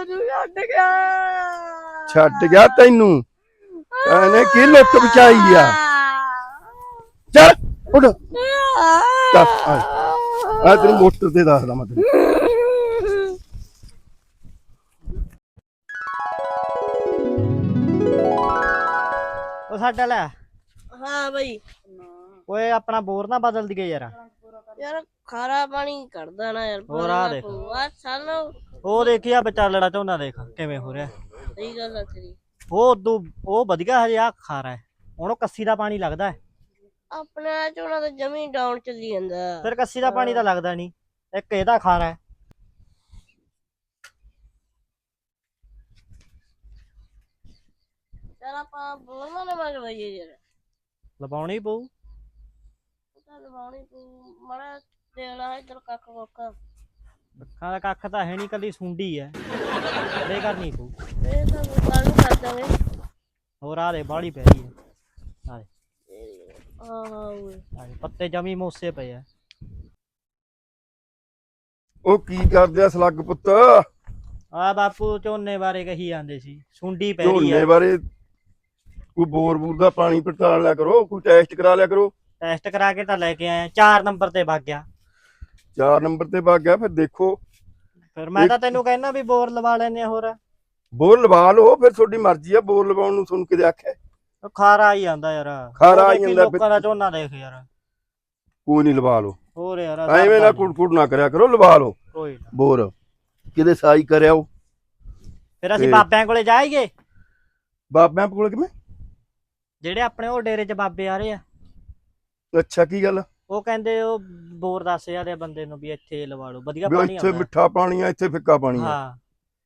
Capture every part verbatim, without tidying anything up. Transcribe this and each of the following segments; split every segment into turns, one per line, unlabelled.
ਤੂੰ ਛੱਡ ਗਿਆ
ਛੱਡ ਗਿਆ ਤੈਨੂੰ ਇਹਨੇ ਕੀ ਲੁੱਟ ਬਚਾਈ ਆ ਚੱਲ ਉੱਠ ਦੱਸ ਆ ਆ ਤੇਰੀ ਮੋਟਰ ਤੇ ਦੱਸਦਾ ਮੈਂ ਤੈਨੂੰ
ਉਹ ਸਾਡਾ ਲੈ
ਹਾਂ ਬਈ
ਓਏ ਆਪਣਾ ਬੋਰ ਨਾ ਬਦਲ ਦਈਏ ਯਾਰ
ਯਾਰ ਖਾਰਾ ਪਾਣੀ ਕੱਢਦਾ ਨਾ ਯਾਰ
ਹੋਰ ਆ ਦੇਖ
ਆ ਸਾਨੂੰ
ਉਹ ਦੇਖਿਆ ਵਿਚਾਲੜਾ ਝੋਨਾ ਦੇਖ ਕਿਵੇਂ ਹੋ ਰਿਹਾ
ਸਹੀ ਗੱਲ ਆ ਤੇਰੀ
ਉਹ ਉਦੋਂ ਉਹ ਵਧੀਆ ਹਜੇ ਆ ਖਾਰਾ ਹੈ ਉਹਨੂੰ ਕੱਸੀ ਦਾ ਪਾਣੀ ਲੱਗਦਾ ਹੈ
ਆਪਣੇ ਝੋਨਾ ਤਾਂ ਜਮੀ ਡਾਊਨ ਚੱਲੀ ਜਾਂਦਾ
ਫਿਰ ਕੱਸੀ ਦਾ ਪਾਣੀ ਤਾਂ ਲੱਗਦਾ ਨਹੀਂ ਇੱਕ ਇਹਦਾ ਖਾਰਾ ਹੈ
ਚੱਲ ਆਪਾਂ ਬੋਲਣਾ ਨਾ ਮੰਗਵਾਈਏ ਯਾਰ
ਲਵਾਉਣੀ ਪਊ
ਤਾਂ ਲਵਾਉਣੀ ਪਊ ਮਾੜਾ ਦੇਣਾ ਇੱਧਰ ਕੱਖ ਕੁੱਖ
ਅੱਖਾਂ ਦਾ ਕੱਖ ਤਾਂ ਹੈ ਨਹੀਂ ਕੱਲੀ ਸੁੰਡੀ ਹੈ ਇਹ ਕਰਨੀ ਪਊ
ਇਹ ਤਾਂ ਕੱਲ ਨੂੰ ਕਰ ਦਾਂਗੇ
ਹੋਰ ਆ ਦੇ ਬਾਹਲੀ ਪੈ ਰਹੀ ਹੈ ਆ ਦੇ
ਹਾਂ ਹਾਂ ਓਏ
ਆ ਦੇ ਪੱਤੇ ਜਮੀ ਮੋਸੇ ਪਏ ਆ
ਉਹ ਕੀ ਕਰਦੇ ਆ ਸਲੱਗ ਪੁੱਤ
ਆ ਬਾਪੂ ਝੋਨੇ ਬਾਰੇ ਕਹੀ ਜਾਂਦੇ ਸੀ ਸੁੰਡੀ ਪੈ ਰਹੀ
ਝੋਨੇ
ਹੈ
ਬਾਰੇ ਕੋਈ ਬੋਰ ਬੂਰ ਦਾ ਪਾਣੀ ਪੜਤਾਲ ਲਿਆ ਕਰੋ ਕੋਈ ਟੈਸਟ ਕਰਾ ਲਿਆ ਕਰੋ
ਟੈਸਟ ਕਰਾ ਕੇ ਤਾਂ ਲੈ ਕੇ ਆਏ ਚਾਰ ਨੰਬਰ ਤੇ ਵਗ ਗਿਆ
ਚਾਰ ਨੰਬਰ ਤੇ ਵਗ ਗਿਆ ਫਿਰ ਦੇਖੋ
ਫਿਰ ਮੈਂ ਤਾਂ ਤੈਨੂੰ ਕਹਿਣਾ ਵੀ ਬੋਰ ਲਵਾ ਲੈਨੇ ਆ ਹੋਰ
ਬੋਰ ਲਵਾ ਲਓ ਫਿਰ ਤੁਹਾਡੀ ਮਰਜ਼ੀ ਆ ਬੋਰ ਲਵਾਉਣ ਨੂੰ ਤੁਹਾਨੂੰ ਕਿਤੇ ਆਖਿਆ
ਉਹ ਖਾਰਾ ਆਈ ਜਾਂਦਾ ਯਾਰ
ਖਾਰਾ
ਉਹ
ਆਈ
ਦੇਖੀ
ਜਾਂਦਾ
ਲੋਕਾਂ ਦਾ ਝੋਨਾ ਦੇਖ ਯਾਰ
ਕੋਈ ਨਹੀਂ ਲਵਾ ਲਓ
ਹੋਰ ਯਾਰ
ਐਵੇਂ ਨਾ ਕੁੜਕੁੜ ਨਾ ਕਰਿਆ ਕਰੋ ਲਵਾ ਲਓ
ਕੋਈ ਨਾ
ਬੋਰ ਕਿਤੇ ਸਾਈ ਕਰਿਆ ਉਹ
ਫਿਰ ਅਸੀਂ
ਤੇ-
ਬਾਬਿਆਂ ਕੋਲੇ ਜਾਈਏ
ਬਾਬਿਆਂ ਕੋਲ ਕਿਵੇਂ
ਜਿਹੜੇ ਆਪਣੇ ਉਹ ਡੇਰੇ 'ਚ ਬਾਬੇ ਆ ਰਹੇ ਆ
ਅੱਛਾ ਕੀ ਗੱਲ
ਉਹ ਕਹਿੰਦੇ ਉਹ ਬੋਰ ਦੱਸ ਜਾਂਦੇ ਬੰਦੇ ਨੂੰ ਵੀ ਇੱਥੇ ਲਵਾ ਲਓ ਵਧੀਆ
ਵੀ
ਪਾਣੀ
ਇੱਥੇ
ਆਉਂਦਾ
ਮਿੱਠਾ ਪਾਣੀ ਆ ਇੱਥੇ ਫਿੱਕਾ ਪਾਣੀ ਆ
ਹਾਂ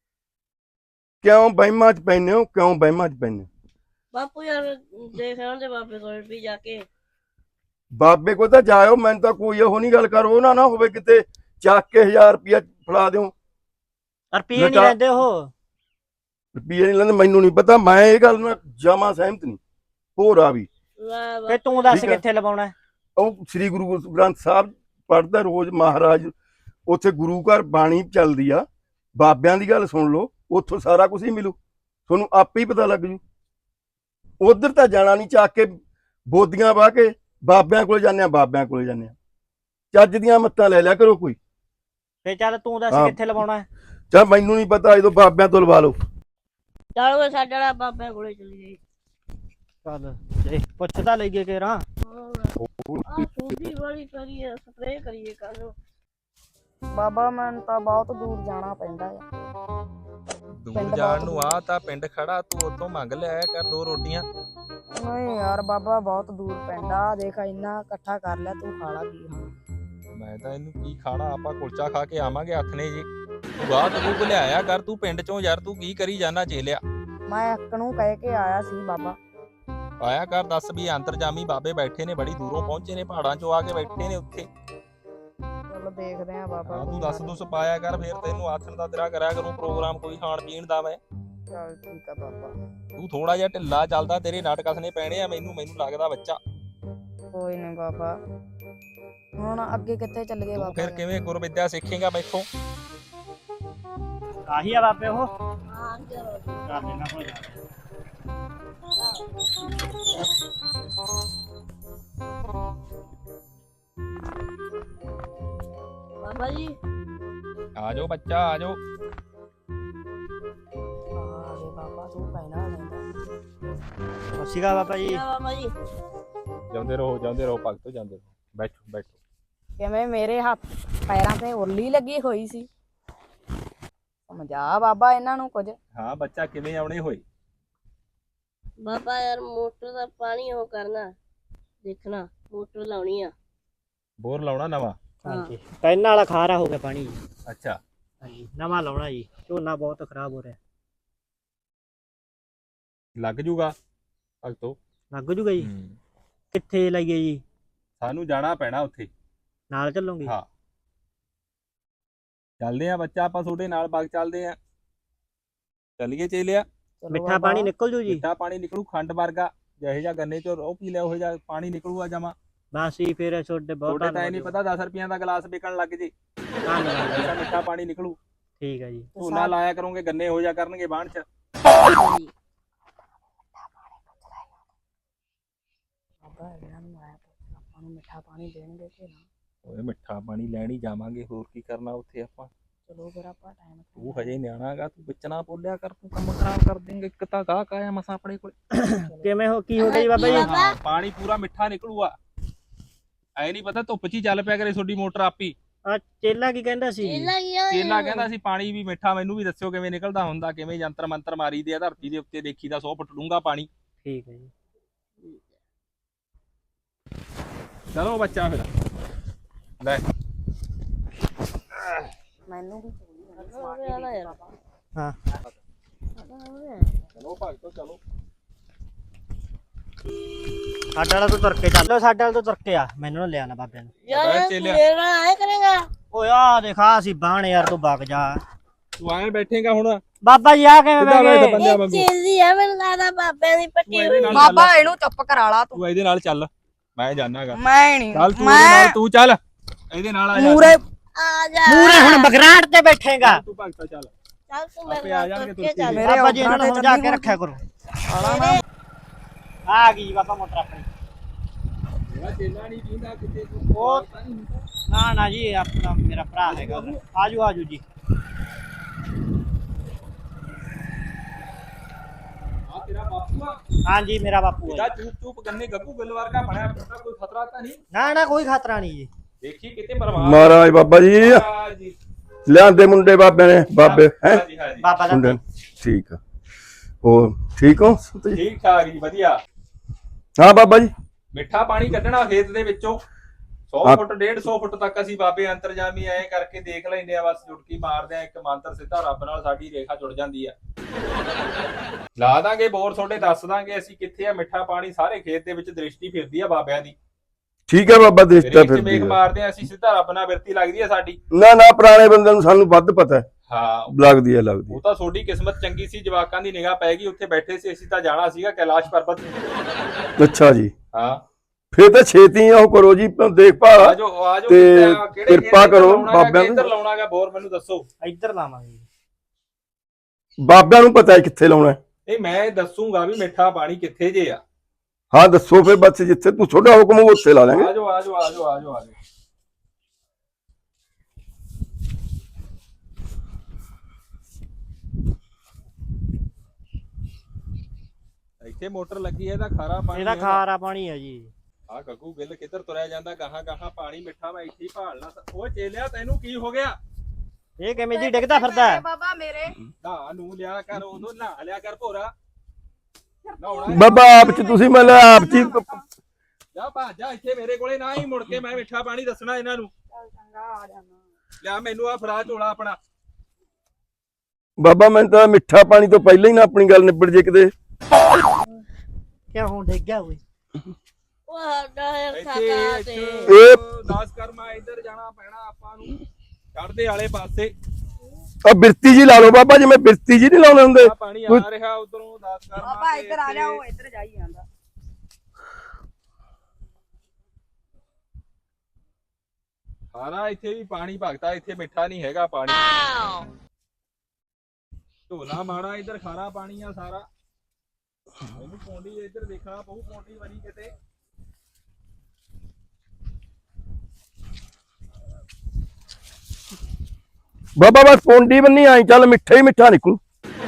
ਕਿਉਂ ਬਹਿਮਾਂ ਚ ਪੈਨੇ ਹੋ ਕਿਉਂ ਬਹਿਮਾਂ ਚ ਪੈਨੇ
ਬਾਪੂ ਯਾਰ ਦੇਖ ਆਉਂਦੇ ਬਾਬੇ ਕੋਲ ਵੀ ਜਾ ਕੇ
ਬਾਬੇ ਕੋਲ ਤਾਂ ਜਾਇਓ ਮੈਨੂੰ ਤਾਂ ਕੋਈ ਉਹ ਨਹੀਂ ਗੱਲ ਕਰੋ ਨਾ ਨਾ ਹੋਵੇ ਕਿਤੇ ਚੱਕ ਕੇ ਹਜ਼ਾਰ ਰੁਪਇਆ ਫੜਾ ਦਿਓ
ਰੁਪਈਏ ਨਹੀਂ
ਲਟਾ-
ਲੈਂਦੇ ਉਹ
ਰੁਪਈਏ ਨਹੀਂ ਲੈਂਦੇ ਮੈਨੂੰ ਨਹੀਂ ਪਤਾ ਮੈਂ ਇਹ ਗੱਲ ਨਾਲ ਜਮਾ ਸਹਿਮਤ ਨਹੀਂ ਹੋਰ ਆ ਵੀ
ਵਾਹ
ਫੇ ਤੂੰ ਦੱਸ
ਠੀਕ ਹੈ।
ਕਿੱਥੇ ਲਵਾਉਣਾ ਹੈ?
ਉਹ ਸ੍ਰੀ ਗੁਰੂ ਗ੍ਰੰਥ ਸਾਹਿਬ ਪੜ੍ਹਦਾ ਰੋਜ਼ ਮਹਾਰਾਜ ਉੱਥੇ ਗੁਰੂ ਘਰ ਬਾਣੀ ਚੱਲਦੀ ਆ ਬਾਬਿਆਂ ਦੀ ਗੱਲ ਸੁਣ ਲਓ ਉੱਥੋਂ ਸਾਰਾ ਕੁਝ ਹੀ ਮਿਲੂ ਤੁਹਾਨੂੰ ਆਪੇ ਹੀ ਪਤਾ ਲੱਗ ਜੂ ਉਧਰ ਤਾਂ ਜਾਣਾ ਨਹੀਂ ਚੱਕ ਕੇ ਬੋਦੀਆਂ ਵਾਹ ਕੇ ਬਾਬਿਆਂ ਕੋਲ ਜਾਂਦੇ ਆ ਬਾਬਿਆਂ ਕੋਲ ਜਾਂਦੇ ਆ ਚੱਜ ਦੀਆਂ ਮੱਤਾਂ ਲੈ ਲਿਆ ਕਰੋ ਕੋਈ
ਫੇ ਚੱਲ ਤੂੰ ਦੱਸ
ਹਾਂ।
ਕਿੱਥੇ ਲਵਾਉਣਾ ਹੈ?
ਚੱਲ ਮੈਨੂੰ ਨਹੀਂ ਪਤਾ ਜਦੋਂ ਬਾਬਿਆਂ ਤੋਂ ਲਵਾ ਲਓ
ਚੱਲ ਓਏ ਸਾਡੇ ਵਾਲਾ ਬਾਬੇ ਕੋਲੇ ਚਲੀ ਗਈ
ਚੱਲ ਜੇ ਪੁੱਛਦਾ ਲਈਏ ਕਿਹੜਾ
ਆ ਸੂਜੀ ਵਾਲੀ ਕਰੀਏ ਸਪਰੇਅ ਕਰੀਏ ਕੱਲ
ਬਾਬਾ ਮੈਨੂੰ ਤਾਂ ਬਹੁਤ ਦੂਰ ਜਾਣਾ ਪੈਂਦਾ ਹੈ
ਦੂਰ
ਪਿੰਡ
ਜਾਣ
ਬਹੁਤ
ਨੂੰ ਆ ਤਾਂ ਪਿੰਡ ਖੜਾ ਤੂੰ ਉੱਥੋਂ ਮੰਗ ਲਿਆ ਕਰ ਦੋ ਰੋਟੀਆਂ
ਨਹੀਂ ਯਾਰ ਬਾਬਾ ਬਹੁਤ ਦੂਰ ਪੈਂਦਾ ਦੇਖ ਇੰਨਾ ਇਕੱਠਾ ਕਰ ਲਿਆ ਤੂੰ ਖਾ ਲਾ ਕੀ ਖਾਣਾ
ਮੈਂ ਤਾਂ ਇਹਨੂੰ ਕੀ ਖਾਣਾ ਆਪਾਂ ਕੁਲਚਾ ਖਾ ਕੇ ਆਵਾਂਗੇ ਹੱਥ ਨੇ ਜੀ ਤੂੰ ਬਾਹਰ ਤੂੰ ਲਿਆਇਆ ਕਰ ਤੂੰ ਪਿੰਡ ਚੋਂ ਯਾਰ ਤੂੰ ਕੀ ਕਰੀ ਜਾਣਾ ਚੇਲਿਆ
ਮੈਂ ਇੱਕ ਨੂੰ ਕਹਿ ਕੇ ਆਇਆ ਸੀ ਬਾਬਾ
ਆਇਆ ਕਰ ਦੱਸ ਵੀ ਅੰਤਰਜਾਮੀ ਬਾਬੇ ਬੈਠੇ ਨੇ ਬੜੀ ਦੂਰੋਂ ਪਹੁੰਚੇ ਨੇ ਪਹਾੜਾਂ ਚੋਂ ਆ ਕੇ ਬੈਠੇ ਨੇ ਉੱਥੇ
ਚਲੋ ਦੇਖਦੇ ਆ ਬਾਬਾ
ਹਾਂ, ਤੂੰ
ਕੋਈ
ਦੱਸ
ਗੱਲ
ਦੁੱਸ ਪਾਇਆ ਕਰ ਫਿਰ ਤੈਨੂੰ ਆਥਣ ਦਾ ਤੇਰਾ ਕਰਿਆ ਕਰੂੰ ਪ੍ਰੋਗਰਾਮ ਕੋਈ ਖਾਣ ਪੀਣ ਦਾ ਮੈਂ
ਨੀ। ਚੱਲ ਠੀਕ ਆ ਬਾਬਾ
ਤੂੰ ਥੋੜਾ ਜਿਹਾ ਢਿੱਲਾ ਚੱਲਦਾ ਤੇਰੇ ਨਾਟਕ ਹੱਸਣੇ ਪੈਣੇ ਆ ਮੈਨੂੰ ਮੈਨੂੰ ਲੱਗਦਾ ਬੱਚਾ
ਕੋਈ ਨਹੀਂ ਬਾਬਾ ਹੁਣ ਅੱਗੇ ਕਿੱਥੇ ਚੱਲ ਗਏ
ਤੂੰ
ਬਾਬਾ
ਫਿਰ ਕਿਵੇਂ ਗੁਰਵਿਦਿਆ ਸਿੱਖੇਗਾ ਮੈਥੋਂ
ਆਹੀ ਆ ਬਾਬੇ ਉਹ
ਹਾਂ ਚਲੋ
ਕਰ ਦੇਣਾ ਹੋ ਜਾ
ਬਾਬਾ ਜੀ
ਆ ਜਾਓ ਬੱਚਾ ਆ ਜਾਓ
ਆ ਗਏ ਬਾਬਾ ਤੂੰ ਕਹਿਣਾ ਲੈਂਦਾ
ਸਸੀਗਾ ਬਾਬਾ ਜੀ
ਆ ਬਾਬਾ ਜੀ
ਜਾਂਦੇ ਰਹੋ ਜਾਂਦੇ ਰਹੋ ਭਗਤੋ ਜਾਂਦੇ ਰਹੋ ਬੈਠੋ ਬੈਠੋ
ਕਿਵੇਂ ਮੇਰੇ ਹੱਥ ਪੈਰਾਂ ਤੇ ਉਰਲੀ ਲੱਗੀ ਹੋਈ ਸੀ ਸਮਝਾ ਬਾਬਾ ਇਹਨਾਂ ਨੂੰ ਕੁਝ
ਹਾਂ ਬੱਚਾ ਕਿਵੇਂ ਆਉਣੇ ਹੋਏ
ਬਾਬਾ ਯਾਰ ਮੋਟਰ ਦਾ ਪਾਣੀ ਉਹ ਕਰਨਾ ਦੇਖਣਾ ਮੋਟਰ ਲਾਉਣੀ ਆ
ਬੋਰ ਲਾਉਣਾ ਨਵਾਂ
ਹਾਂਜੀ ਪੈਨ ਵਾਲਾ ਖਾਰਾ ਹੋ ਗਿਆ ਪਾਣੀ ਜੀ
ਅੱਛਾ
ਹਾਂਜੀ ਨਵਾਂ ਲਾਉਣਾ ਜੀ ਝੋਨਾ ਬਹੁਤ ਖਰਾਬ ਹੋ ਰਿਹਾ
ਲੱਗ ਜੂਗਾ ਭਗਤੋ
ਲੱਗ ਜੂਗਾ ਜੀ
ਹੂੰ।
ਕਿੱਥੇ ਲਾਈਏ ਜੀ
ਸਾਨੂੰ ਜਾਣਾ ਪੈਣਾ ਉੱਥੇ
ਨਾਲ ਚੱਲੋਗੇ
ਹਾਂ ਚੱਲਦੇ ਆ ਬੱਚਾ ਆਪਾਂ ਤੁਹਾਡੇ ਨਾਲ ਬਾਗ ਚੱਲਦੇ ਆ ਚੱਲੀਏ ਚੇਲਿਆ
ਚਲੋ
ਮਿੱਠਾ
ਬਾਬਾ,
ਪਾਣੀ ਨਿਕਲ ਜੂ ਜੀ
ਮਿੱਠਾ ਪਾਣੀ ਨਿਕਲੂ ਖੰਡ ਵਰਗਾ ਜਿਹੇ ਜਿਹਾ ਗੰਨੇ ਚੋਂ ਉਹ ਪੀ ਲਿਆ ਉਹ ਜਿਹਾ ਪਾਣੀ ਨਿਕਲੂਗਾ ਜਮਾ
ਬਸ ਹੀ ਫਿਰ ਛੋਟੇ ਬਹੁਤ
ਤੁਹਾਡੇ ਤਾਂ ਇਹ ਨਹੀਂ ਪਤਾ ਦਸ ਰੁਪਈਆਂ ਦਾ ਗਲਾਸ ਵਿਕਣ ਲੱਗ ਜੇ
ਧੰਨਵਾਦ
ਐਸਾ ਮਿੱਠਾ ਪਾਣੀ ਨਿਕਲੂ
ਠੀਕ ਹੈ ਜੀ।
ਝੋਨਾ ਲਾਇਆ ਕਰੋਗੇ ਗੰਨੇ ਹੋ ਜਾ ਕਰਨਗੇ ਬਾਣ ਚ।
ਬਾਬਾ ਇਹਨਾਂ ਨੂੰ ਆਇਆ ਪੁੱਛ ਆਪਾਂ ਨੂੰ ਮਿੱਠਾ ਪਾਣੀ ਦੇਣਗੇ ਕਿ ਨਾ।
ਓਏ ਮਿੱਠਾ ਪਾਣੀ ਲੈਣ ਹੀ ਜਾਵਾਂਗੇ, ਹੋਰ ਕੀ ਕਰਨਾ ਉੱਥੇ ਆਪਾਂ।
ਚਲੋ ਫਿਰ ਆਪਾਂ ਟਾਈਮ
ਤੂੰ ਹਜੇ ਨਿਆਣਾ ਗਾ, ਤੂੰ ਵਿੱਚ ਨਾ ਬੋਲਿਆ ਕਰ, ਤੂੰ ਕੰਮ ਖਰਾਬ ਕਰ ਦੇਂਗੇ। ਇੱਕ ਤਾਂ ਗਾਹਕ ਆਇਆ ਮਸਾਂ ਆਪਣੇ ਕੋਲ।
ਕਿਵੇਂ ਹੋ ਕੀ ਹੋ ਗਿਆ ਜੀ ਬਾਬਾ ਜੀ?
ਹਾਂ ਪਾਣੀ ਪੂਰਾ ਮਿੱਠਾ ਨਿਕਲੂਗਾ। ਐ ਨਹੀਂ ਪਤਾ ਧੁੱਪ 'ਚ ਹੀ ਚੱਲ ਪਿਆ ਕਰੇ ਤੁਹਾਡੀ ਮੋਟਰ ਆਪੀ।
ਆ ਚੇਲਾ ਕੀ ਕਹਿੰਦਾ ਸੀ?
ਚੇਲਾ ਗਿਆ
ਚੇਲਾ ਕਹਿੰਦਾ ਸੀ ਪਾਣੀ ਵੀ ਮਿੱਠਾ, ਮੈਨੂੰ ਵੀ ਦੱਸਿਓ ਕਿਵੇਂ ਨਿਕਲਦਾ ਹੁੰਦਾ, ਕਿਵੇਂ ਜੰਤਰ ਮੰਤਰ ਮਾਰੀ ਦੇ ਆ ਧਰਤੀ ਦੇ ਉੱਤੇ, ਦੇਖੀਦਾ ਸੌ ਫੁੱਟ ਡੂੰਘਾ ਪਾਣੀ।
ਠੀਕ ਹੈ ਜੀ।
ਚਲੋ ਬੱਚਾ ਫਿਰ ਲੈ
ਮੈਨੂੰ ਵੀ
ਹਾਂ
ਚਲੋ ਭਗਤੋ ਚਲੋ।
ਸਾਡੇ ਵਾਲਾ ਤੋਂ ਤੁਰ ਕੇ ਚੱਲ, ਸਾਡੇ ਵਾਲਾ ਤੋਂ ਤੁਰ ਕੇ ਆ, ਮੈਨੂੰ ਨਾ ਲਿਆ ਨਾ ਬਾਬਿਆਂ ਨੂੰ।
ਯਾਰ
ਚੇਲਿਆ।
ਮੇਰਾ ਆਏ ਕਰੇਗਾ
ਓਏ ਆ ਦੇਖਾ ਸੀ ਬਾਣ ਯਾਰ, ਤੂੰ ਵਗ ਜਾ।
ਤੂੰ ਐਂ ਬੈਠੇਗਾ ਹੁਣ
ਬਾਬਾ ਜੀ ਆ ਕਿਵੇਂ
ਕਿੱਦਾਂ
ਬਹਿ
ਬੈਠ
ਗਏ?
ਬੰਦਿਆਂ
ਇਹ
ਵਾਂਗੂ।
ਚੇਲੀ ਆ ਮੈਨੂੰ ਲੱਗਦਾ ਬਾਬਿਆਂ ਦੀ ਪੱਟੀ
ਤੂੰ ਇਹਦੇ ਨਾਲ ਚੱਲ,
ਬਾਬਾ ਇਹਨੂੰ ਚੁੱਪ ਕਰਾ ਲਾ ਤੂੰ।
ਤੂੰ ਇਹਦੇ ਨਾਲ ਚੱਲ, ਮੈਂ ਜਾਣਾਗਾ।
ਮੈਂ ਨਹੀਂ
ਚੱਲ ਤੂੰ ਇਹਦੇ ਨਾਲ, ਤੂੰ ਚੱਲ ਇਹਦੇ ਨਾਲ ਆ ਜਾ।
ਮੂਰੇ
ਆ ਜਾ
ਮੂਰੇ ਹੁਣ ਬਗਰਾਟ ਤੇ ਬੈਠੇਗਾ।
ਤੂੰ ਭਗਤਾ ਚੱਲ,
ਚੱਲ ਤੂੰ
ਆਪੇ
ਮੇਰੇ
ਆ
ਨਾਲ
ਜਾਣਗੇ
ਤੁਰ ਕੇ
ਤੁਰ
ਚੱਲ
ਕੇ।
ਬਾਬਾ ਜੀ ਇਹਨਾਂ ਨੂੰ ਸਮਝਾ ਕੇ ਰੱਖਿਆ ਕਰੋ।
ਮੇਰੇ-
ਆ ਗਈ ਬਾਬਾ ਮੋਟਰ ਆਪਣੀ।
ਮੇਰਾ ਚੇਲਾ ਨਹੀਂ ਪੀਂਦਾ ਕਿਤੇ ਤੂੰ।
ਉਹ ਨਾ ਨਾ ਜੀ, ਆਪਣਾ ਮੇਰਾ ਭਰਾ ਹੈਗਾ। ਆਜੋ ਆਜੋ ਜੀ।
ਆ ਤੇਰਾ ਬਾਪੂ ਆ,
ਹਾਂਜੀ ਮੇਰਾ ਬਾਪੂ
ਇਹਦਾ
ਹੈ।
ਚੂਪ ਚੂਪ ਗੰਨੇ ਗੱਗੂ ਗਿੱਲ ਵਰਗਾ ਬਣਿਆ ਫਿਰਦਾ, ਕੋਈ ਖਤਰਾ ਤਾਂ ਨਹੀਂ?
ਨਾ ਨਾ ਕੋਈ ਖਤਰਾ ਨਹੀਂ ਜੀ।
ਦੇਖੀ ਕਿਤੇ ਮਰਵਾ
ਮਹਾਰਾਜ ਬਾਬਾ ਜੀ
ਜੀ।
ਲਿਆਂਦੇ ਮੁੰਡੇ ਬਾਬੇ ਨੇ, ਬਾਬੇ ਹੈ
ਹਾਂਜੀ ਹਾਂਜੀ
ਬਾਬਾ ਦਾ
ਮੁੰਡੇ ਠੀਕ ਆ। ਹੋਰ ਠੀਕ ਹੋ ਸੰਤ ਜੀ?
ਠੀਕ ਠਾਕ ਜੀ, ਵਧੀਆ।
ਹਾਂ ਬਾਬਾ ਜੀ।
ਮਿੱਠਾ ਪਾਣੀ ਕੱਢਣਾ ਖੇਤ ਦੇ ਵਿੱਚੋਂ ਸੌ
ਹਾਂ।
ਫੁੱਟ ਡੇਢ ਸੌ ਫੁੱਟ ਤੱਕ ਅਸੀਂ ਬਾਬੇ ਅੰਤਰਜਾਮੀ ਐ ਕਰਕੇ ਦੇਖ ਲੈਂਦੇ ਆ, ਬਸ ਜੁਟਕੀ ਮਾਰਦੇ ਆ ਇੱਕ ਮੰਤਰ, ਸਿੱਧਾ ਰੱਬ ਨਾਲ ਸਾਡੀ ਰੇਖਾ ਜੁੜ ਜਾਂਦੀ ਆ। ਲਾ ਦਾਂਗੇ ਬੋਰ ਤੁਹਾਡੇ, ਦੱਸ ਦਾਂਗੇ ਅਸੀਂ ਕਿੱਥੇ ਆ। ਮਿੱਠਾ ਪਾਣੀ ਸਾਰੇ ਖੇਤ ਦੇ ਵਿੱਚ ਦ੍ਰਿਸ਼ਟੀ ਫਿਰਦੀ ਆ ਬਾਬਿਆਂ ਦੀ।
ਠੀਕ ਹੈ ਬਾਬਾ, ਦ੍ਰਿਸ਼ਟਾ
ਰੇਖ 'ਚ
ਫਿਰਦੀ
ਮੇਖ
ਆ।
ਮਾਰਦੇ ਆ ਅਸੀਂ, ਸਿੱਧਾ ਰੱਬ ਨਾਲ ਬਿਰਤੀ ਲੱਗਦੀ ਆ ਸਾਡੀ।
ਨਾ ਨਾ ਪੁਰਾਣੇ ਬੰਦੇ ਨੂੰ ਸਾਨੂੰ ਵੱਧ ਪਤਾ ਹੈ,
ਹਾਂ
ਲੱਗਦੀ ਹੈ ਲੱਗਦੀ
ਉਹ ਤਾਂ ਤੁਹਾਡੀ ਕਿਸਮਤ ਚੰਗੀ ਸੀ, ਜਵਾਕਾਂ ਦੀ ਨਿਗਾਹ ਪੈ ਗਈ, ਉੱਥੇ ਬੈਠੇ ਸੀ। ਅਸੀਂ ਤਾਂ ਜਾਣਾ ਸੀਗਾ ਕੈਲਾਸ਼ ਪਰਬਤ।
ਹੈ। ਅੱਛਾ ਜੀ,
ਹਾਂ
ਫੇਰ ਤਾਂ ਛੇਤੀ ਉਹ ਕਰੋ ਜੀ ਦੇਖਭਾਲ।
ਆਜੋ ਆਜੋ,
ਤੇ
ਕਿਹੜੇ
ਕਿਰਪਾ
ਖੇਤ
ਕਰੋ
ਲਾਉਣਾ ਗਾ,
ਬਾਬਿਆਂ ਨੂੰ।
ਕਿੱਧਰ ਲਾਉਣਾਗਾ ਬੋਰ, ਮੈਨੂੰ ਦੱਸੋ।
ਇੱਧਰ ਲਾਵਾਂਗੇ ਜੀ।
ਬਾਬਿਆਂ ਨੂੰ ਪਤਾ ਹੈ ਕਿੱਥੇ ਲਾਉਣਾ ਹੈ।
ਇਹ ਮੈਂ ਦੱਸੂਗਾ ਵੀ ਮਿੱਠਾ ਪਾਣੀ ਕਿੱਥੇ ਜੇ ਆ।
ਹਾਂ ਦੱਸੋ ਫਿਰ, ਬਸ ਜਿੱਥੇ ਤੂੰ ਤੁਹਾਡਾ ਹੁਕਮ ਹੋਊ ਉੱਥੇ ਲਾ ਲਾਂਗੇ।
ਆਜੋ ਆਜੋ ਆਜੋ ਆਜੋ ਆਜੋ। ਇੱਥੇ ਮੋਟਰ ਲੱਗੀ ਹੈ, ਇਹਦਾ ਖਾਰਾ ਪਾਣੀ
ਇਹਦਾ
ਹੈ।
ਖਾਰਾ ਪਾਣੀ ਹੈ ਜੀ।
ਆ ਗੱਗੂ ਗਿੱਲ ਕਿੱਧਰ ਤੁਰਿਆ ਜਾਂਦਾ, ਗਾਹਾਂ ਗਾਹਾਂ ਪਾਣੀ ਮਿੱਠਾ ਮੈਂ ਇੱਥੇ ਹੀ ਭਾਲਣਾ। ਉਹ ਚੇਲਿਆ ਤੈਨੂੰ ਕੀ ਹੋ ਗਿਆ?
ਇਹ ਕਿਵੇਂ ਜੀ ਡਿੱਗਦਾ ਫਿਰਦਾ ਹੈ?
ਬਾਬਾ ਮੇਰੇ
ਨਾ ਨੂੰ ਲਿਆ ਕਰ, ਉਦੋਂ ਨਹਾ ਲਿਆ ਕਰ ਭੋਰਾ। ਨਹਾਉਣਾ
ਬਾਬਾ ਆਪ ਚ ਤੁਸੀਂ ਮਤਲਬ ਆਪ ਚ ਹੀ
ਜਾ ਭੱਜ ਜਾ ਇੱਥੇ ਮੇਰੇ ਕੋਲੇ ਨਾ ਹੀ ਮੁੜ ਕੇ, ਮੈਂ ਮਿੱਠਾ ਪਾਣੀ ਦੱਸਣਾ ਇਹਨਾਂ ਨੂੰ।
ਚੰਗਾ ਆ ਜਾਣਾ।
ਲਿਆ ਮੈਨੂੰ ਆ ਫੜਾ ਝੋਲਾ ਆਪਣਾ।
ਬਾਬਾ ਮੈਨੂੰ ਤਾਂ ਮਿੱਠਾ ਪਾਣੀ ਤੋਂ ਪਹਿਲਾਂ ਹੀ ਨਾ ਆਪਣੀ ਗੱਲ ਨਿਬੜ ਜੇ ਕਿਤੇ।
ਕਿਆ ਹੁਣ ਡਿੱਗ ਗਿਆ ਓਏ?
ਉਹ ਸਾਡਾ ਯਾਰ
ਇੱਥੇ
ਖਾਤਾ ਤੇ
ਇਹ
ਦਸ ਕਰਮਾ ਇੱਧਰ ਜਾਣਾ ਪੈਣਾ ਆਪਾਂ ਨੂੰ, ਚੜ੍ਹਦੇ ਵਾਲੇ ਪਾਸੇ।
ਆ ਬਿਰਤੀ ਜੀ ਲਾ ਲਓ ਬਾਬਾ, ਜਿਵੇਂ ਬਿਰਤੀ ਜੀ ਨਹੀਂ ਲਾਉਂਦੇ ਹੁੰਦੇ।
ਆ ਪਾਣੀ ਆ ਰਿਹਾ ਉਧਰੋਂ ਦਸ ਕਰਮਾ।
ਬਾਬਾ ਇੱਧਰ ਆ ਜਾ, ਉਹ ਇੱਧਰ ਜਾਈ ਜਾਂਦਾ।
ਸਾਰਾ ਇੱਥੇ ਵੀ ਪਾਣੀ ਭਗਤਾ, ਇੱਥੇ ਮਿੱਠਾ ਨਹੀਂ ਹੈਗਾ ਪਾਣੀ। ਢੋਲਾ ਮਾੜਾ, ਇੱਧਰ ਖਾਰਾ ਪਾਣੀ ਆ ਸਾਰਾ। ਮੈਨੂੰ ਪੌਂਡੀ ਇੱਧਰ ਦੇਖਣਾ ਪਊ, ਪੌਂਡੀ ਬਣੀ ਕਿਤੇ।
ਬਾਬਾ ਬਸ ਪੌਂਡੀ ਬੰਨੀ ਆਈ, ਚੱਲ ਮਿੱਠਾ ਹੀ ਮਿੱਠਾ ਨਿਕਲੂ।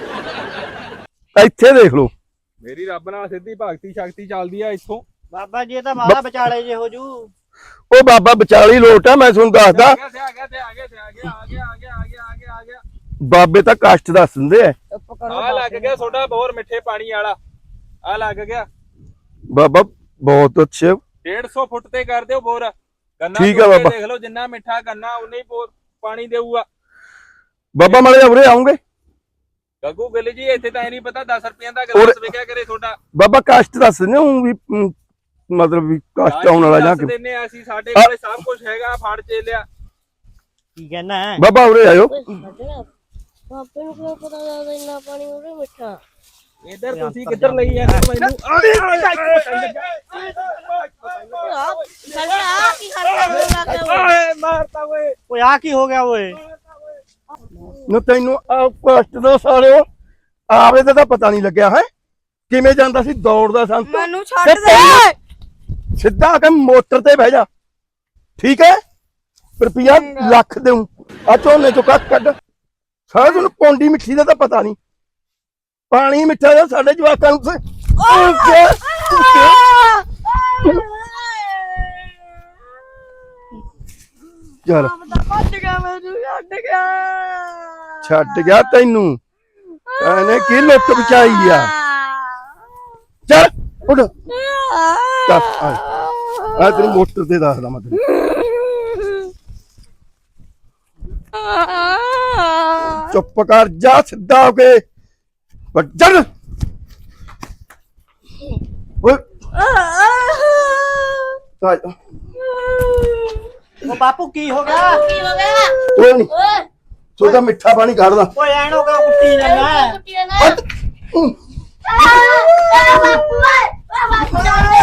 ਇੱਥੇ ਦੇਖ ਲਓ,
ਮੇਰੀ ਰੱਬ ਨਾਲ ਸਿੱਧੀ ਭਗਤੀ ਸ਼ਕਤੀ ਚੱਲਦੀ ਆ ਇੱਥੋਂ।
ਬਾਬਾ ਜੀ ਇਹ ਤਾਂ ਬਾਹਲਾ ਵਿਚਾਲੇ ਜੇ ਹੋ ਜੂ।
ਉਹ ਬਾਬਾ ਵਿਚਾਲੀ ਲੋਟ ਆ, ਮੈਂ ਤੁਹਾਨੂੰ ਦੱਸਦਾ।
ਆ ਗਿਆ ਤੇ ਆ ਗਿਆ ਤੇ ਆ ਗਿਆ ਤੇ ਆ ਗਿਆ ਆ ਗਿਆ ਆ ਗਿਆ ਆ ਗਿਆ ਆ ਗਿਆ ਆ ਗਿਆ।
ਬਾਬੇ ਤਾਂ ਕਸ਼ਟ ਦੱਸ ਦਿੰਦੇ ਆ।
ਚੁੱਪ ਕਰੋ।
ਆ ਲੱਗ ਗਿਆ ਤੁਹਾਡਾ ਬੋਰ ਮਿੱਠੇ ਪਾਣੀ ਵਾਲਾ, ਆ ਲੱਗ ਗਿਆ।
ਬਾਬਾ ਬਹੁਤ ਅੱਛੇ।
ਡੇਢ ਸੌ ਫੁੱਟ ਤੇ ਕਰ ਦਿਓ ਬੋਰ। ਗੰਨਾ
ਠੀਕ ਆ
ਤੋੜ ਕੇ
ਬਾਬਾ।
ਦੇਖ ਲਓ, ਜਿੰਨਾ ਮਿੱਠਾ ਗੰਨਾ ਉਨਾ ਹੀ ਬੋਰ ਪਾਣੀ ਦੇਊਗਾ।
ਬਾਬਾ ਮਾੜੇ ਉਰੇ ਆਉਂਗੇ?
ਗੱਗੂ ਗਿੱਲ ਜੀ ਇੱਥੇ ਤਾਂ ਇਹ ਨਹੀਂ ਪਤਾ ਦਸ ਰੁਪਈਆਂ ਦਾ ਗਲਾਸ ਵਿਕਿਆ ਕਰੇ ਤੁਹਾਡਾ।
ਬਾਬਾ ਕਸ਼ਟ ਦੱਸ ਦਿੰਦੇ ਹੂੰ ਵੀ ਅਮ, ਮਤਲਬ ਵੀ ਕਸ਼ਟ ਆਉਣ ਵਾਲਾ ਜਾਂ
ਦੱਸ
ਕਿ
ਦਿੰਨੇ ਆ ਅਸੀਂ, ਸਾਡੇ ਕੋਲੇ ਸਭ ਕੁਝ ਹੈਗਾ, ਫੜ ਚੇ ਲਿਆ।
ਕੀ ਕਹਿਣਾ ਹੈ?
ਬਾਬਾ ਉਰੇ ਆਇਓ।
ਓਏ ਸਾਡੇ ਨਾਲ ਬਾਪੇ ਨੂੰ ਕਿਉਂ ਪਤਾ ਲੱਗਦਾ ਇੰਨਾ ਪਾਣੀ ਉਹਦੇ ਮਿੱਠਾ?
ਇੱਧਰ ਤੁਸੀਂ ਕਿੱਧਰ ਲਈ ਜਾਂਦੇ ਮੈਨੂੰ?
ਸਾਡੇ ਆ ਕੀ ਕਰਦਾ ਹੋਣ ਲੱਗ ਗਿਆ
ਓਏ ਮਾਰਤਾ ਓਏ।
ਓਏ ਆ ਕੀ ਹੋ ਗਿਆ ਓਏ?
ਨਾ ਤੈਨੂੰ ਆ ਕਸ਼ਟ ਦਾ ਸਾਲਿਓ ਆਵੇ ਦਾ ਤਾਂ ਪਤਾ ਨਹੀਂ ਲੱਗਿਆ ਹੈ ਕਿਵੇਂ ਜਾਂਦਾ ਸੀ ਦੌੜਦਾ ਸੰਤ
ਮੈਨੂੰ
ਤੇ
ਛੱਡ ਦੇ
ਤੈਨੂੰ ਸਿੱਧਾ ਆ ਕੇ ਮੋਟਰ ਤੇ ਬਹਿ ਜਾ ਠੀਕ ਹੈ ਰੁਪਿਆ ਲੱਖ ਦੇਉ ਆ ਝੋਨੇ ਚੋਂ ਕੱਖ ਕੱਢ ਸਾਰਾ ਤੈਨੂੰ ਪੌਂਡੀ ਮਿੱਠੀ ਦਾ ਤਾਂ ਪਤਾ ਨਹੀਂ ਪਾਣੀ ਮਿੱਠਾ ਦਾ ਸਾਡੇ ਜਵਾਕਾਂ ਨੂੰ ਚਲ
ਛੱਡ ਗਿਆ ਮੈਨੂੰ ਛੱਡ ਗਿਆ
ਛੱਡ ਗਿਆ ਤੈਨੂੰ ਇਹਨੇ ਕੀ ਲੁੱਟ ਬਚਾਈ ਆ ਚੱਲ ਉੱਡ ਚੱਲ ਆ ਆ ਤੈਨੂੰ ਮੋਟਰ ਤੇ ਦੱਸਦਾ ਮੈਂ ਤੈਨੂੰ ਚੁੱਪ ਕਰ ਜਾ ਸਿੱਧਾ ਹੋ ਕੇ ਵੱਜਣ ਓਏ ਆ
ਉਹ ਬਾਪੂ ਕੀ ਹੋ ਗਿਆ
ਕੀ ਹੋ ਗਿਆ
ਓਏ ਨੀ
ਓਏ
ਤੂੰ ਤਾਂ ਮਿੱਠਾ ਪਾਣੀ ਕੱਢਦਾ
ਓਏ ਐਨ ਹੋ ਗਿਆ ਕੁੱਟੀ ਜਾਂਦਾ
ਕੁੱਟੀਆਂ ਨਾ ਆ ਬਾਪੂ ਓਏ ਆ ਬਾਪੂ